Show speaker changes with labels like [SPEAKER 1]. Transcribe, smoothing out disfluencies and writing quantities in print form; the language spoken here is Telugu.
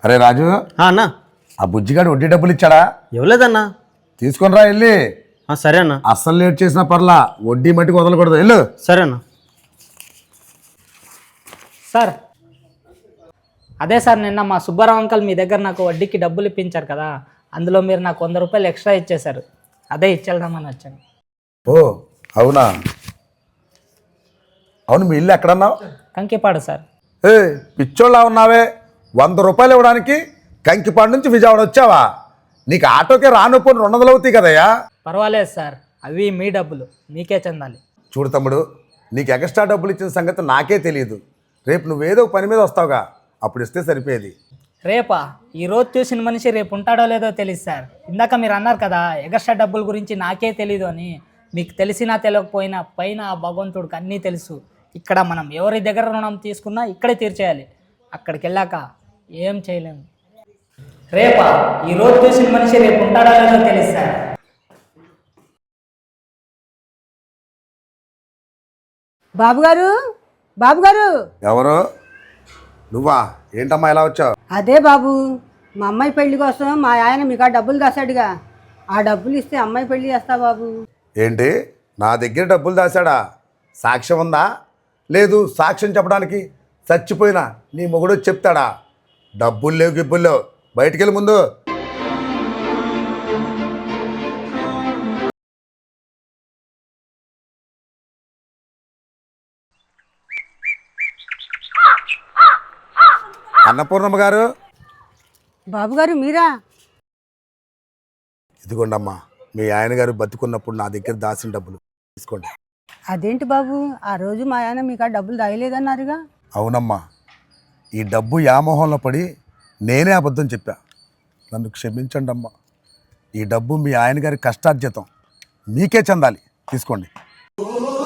[SPEAKER 1] అరే రాజు,
[SPEAKER 2] అన్నా
[SPEAKER 1] ఆ బుజ్జిగాడు వడ్డీ డబ్బులు ఇచ్చాడా?
[SPEAKER 2] ఇవ్వలేదన్నా.
[SPEAKER 1] తీసుకొని రా వెళ్ళి.
[SPEAKER 2] సరే అన్న.
[SPEAKER 1] అస్సలు లేట్ చేసినా పర్లా, వడ్డీ మట్టికి వదలకూడదు. వెళ్ళు.
[SPEAKER 2] సరే అన్న.
[SPEAKER 3] సార్ అదే సార్, నిన్న మా సుబ్బారావు అంకల్ మీ దగ్గర నాకు వడ్డీకి డబ్బులు ఇప్పించారు కదా, అందులో మీరు నాకు 100 రూపాయలు ఎక్స్ట్రా ఇచ్చేశారు. అదే ఇచ్చేద్దామని వచ్చాను.
[SPEAKER 1] ఓ అవునా? అవును, మీ ఇల్లు ఎక్కడన్నావు?
[SPEAKER 3] కంకిపాడు సార్.
[SPEAKER 1] ఏ పిచ్చోళ్ళ ఉన్నావే, 100 రూపాయలు ఇవ్వడానికి కంకిపాడు నుంచి విజయవాడ వచ్చావా? నీకు ఆటోకే రానుపోని 200 అవుతాయి కదయ్యా.
[SPEAKER 3] పర్వాలేదు సార్, అవి మీ డబ్బులు, మీకే చెందాలి.
[SPEAKER 1] చూడు తమ్ముడు, నీకు ఎక్స్ట్రా డబ్బులు ఇచ్చిన సంగతి నాకే తెలియదు. రేపు నువ్వేదో పని మీద వస్తావుగా, అప్పుడు ఇస్తే సరిపోయేది.
[SPEAKER 3] రేపా? ఈరోజు చూసిన మనిషి రేపు ఉంటాడో లేదో తెలియదు సార్. ఇందాక మీరు అన్నారు కదా ఎక్స్ట్రా డబ్బుల గురించి నాకే తెలీదు అని. మీకు తెలిసినా తెలియకపోయినా పైన ఆ భగవంతుడికి అన్నీ తెలుసు. ఇక్కడ మనం ఎవరి దగ్గర రుణం తీసుకున్నా ఇక్కడే తీర్చేయాలి. అక్కడికి వెళ్ళాక ఏం చేయలేము. రేపా? ఈరోజు చూసిన మనిషి రేపు ఉంటాడో లేదో తెలియదు సార్.
[SPEAKER 4] బాబుగారు, బాబుగారు.
[SPEAKER 1] ఎవరు? నువ్వా? ఏంటమ్మా ఇలా వచ్చావు?
[SPEAKER 4] అదే బాబు, మా అమ్మాయి పెళ్లి కోసం మా ఆయన మీకు ఆ డబ్బులు దాశాడుగా, ఆ డబ్బులు ఇస్తే అమ్మాయి పెళ్లి చేస్తా బాబు.
[SPEAKER 1] ఏంటి, నా దగ్గర డబ్బులు దాశాడా? సాక్ష్యం ఉందా? లేదు. సాక్ష్యం చెప్పడానికి చచ్చిపోయినా నీ మొగుడు చెప్తాడా? డబ్బులు లేవు, గిబ్బులు లేవు, బయటికి వెళ్ళి ముందు. అన్నపూర్ణమ్మ గారు.
[SPEAKER 4] బాబుగారు మీరా?
[SPEAKER 1] ఇదిగోండమ్మా, మీ ఆయన గారు బతికున్నప్పుడు నా దగ్గర దాచిన డబ్బులు తీసుకోండి.
[SPEAKER 4] అదేంటి బాబు, ఆ రోజు మా ఆయన మీకు ఆ డబ్బులు దాయలేదన్నారుగా?
[SPEAKER 1] అవునమ్మా, ఈ డబ్బు యామోహంలో పడి నేనే అబద్ధం చెప్పా. నన్ను క్షమించండి అమ్మా. ఈ డబ్బు మీ ఆయన గారి కష్టార్జితం, మీకే చెందాలి. తీసుకోండి.